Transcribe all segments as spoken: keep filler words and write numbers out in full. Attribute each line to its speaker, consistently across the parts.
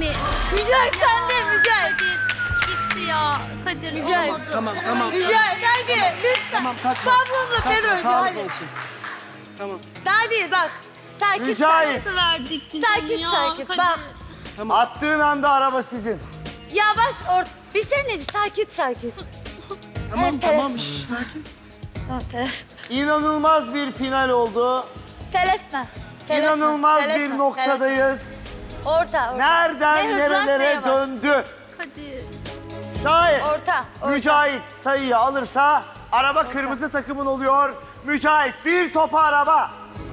Speaker 1: Hadi.
Speaker 2: Mücahit sen de Mücahit.
Speaker 1: Kadir gitti ya. Kadir
Speaker 2: Mücahit.
Speaker 1: olamadı.
Speaker 3: Tamam tamam.
Speaker 2: Mücahit hadi lütfen.
Speaker 3: Tamam kalkma.
Speaker 2: Pablo'la
Speaker 3: Kalkma,
Speaker 2: Pedro'cu
Speaker 3: sağlık
Speaker 2: hadi.
Speaker 3: olsun. Tamam.
Speaker 2: Daha değil bak. Sakin
Speaker 4: Mücahit.
Speaker 1: Nasıl verdik biz
Speaker 2: Sakin
Speaker 1: onu ya?
Speaker 2: sakin.
Speaker 1: Kadir.
Speaker 2: Bak.
Speaker 3: Tamam.
Speaker 4: Attığın anda araba sizin.
Speaker 2: Yavaş or... Bir saniye sakin sakin.
Speaker 3: Tamam
Speaker 2: Evet,
Speaker 3: tamam.
Speaker 2: teres-
Speaker 3: Şş, sakin.
Speaker 2: Tamam teles.
Speaker 4: İnanılmaz bir final oldu.
Speaker 2: Telesme. Telesme.
Speaker 4: İnanılmaz
Speaker 2: Telesme,
Speaker 4: bir
Speaker 2: telesme.
Speaker 4: noktadayız.
Speaker 2: Orta orta.
Speaker 4: Nereden
Speaker 2: Ne hızlan, ne
Speaker 4: nerelere
Speaker 2: yavaş.
Speaker 4: döndü.
Speaker 1: Kadir.
Speaker 4: Şayet
Speaker 2: Orta. orta.
Speaker 4: Mücahit sayıyı alırsa araba kırmızı takımın oluyor. Mücahit bir topa araba.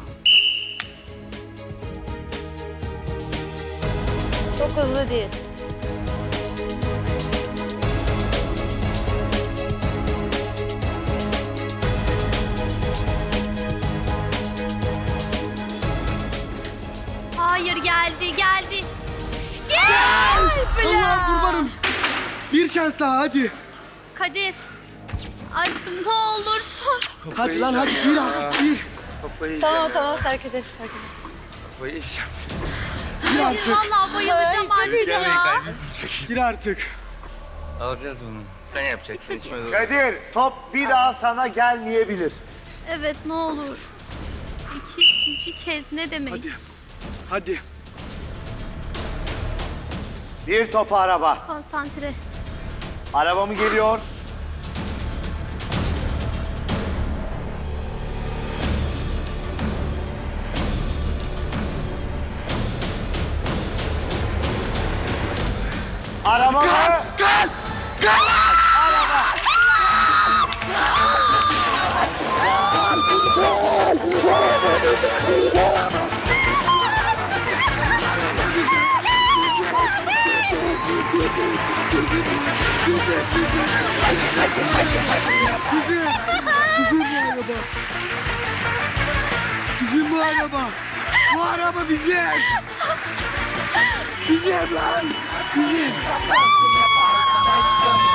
Speaker 2: Çok hızlı değil.
Speaker 1: Hayır geldi geldi.
Speaker 3: Allah kurbanım. Bir şans daha hadi.
Speaker 1: Kadir. Aşkım ne olursun.
Speaker 3: Hadi lan hadi gir artık gir.
Speaker 5: Kafayı
Speaker 2: Tamam tamam sakin ol sakin ol.
Speaker 5: Kafayı yiyeceğim.
Speaker 3: Gir
Speaker 1: Kadir
Speaker 3: artık.
Speaker 1: vallahi bayılacağım
Speaker 2: Ay,
Speaker 1: artık
Speaker 5: Gelmeyin
Speaker 1: ya.
Speaker 5: kaybedin.
Speaker 3: Gir artık.
Speaker 5: Alacağız bunu. Sen yapacaksın. İçime doğru.
Speaker 4: Kadir top bir daha sana gelmeyebilir.
Speaker 1: Evet ne olur. İkinci kez ne demek?
Speaker 3: Hadi. Hadi.
Speaker 4: Bir topa araba.
Speaker 1: Konsantre.
Speaker 4: Araba mı geliyor? Araba mı?
Speaker 3: Gel. Gel. Bizim. Bizim bu araba. Bizim bu araba. Bu araba bizim. Bizim lan. Bizim.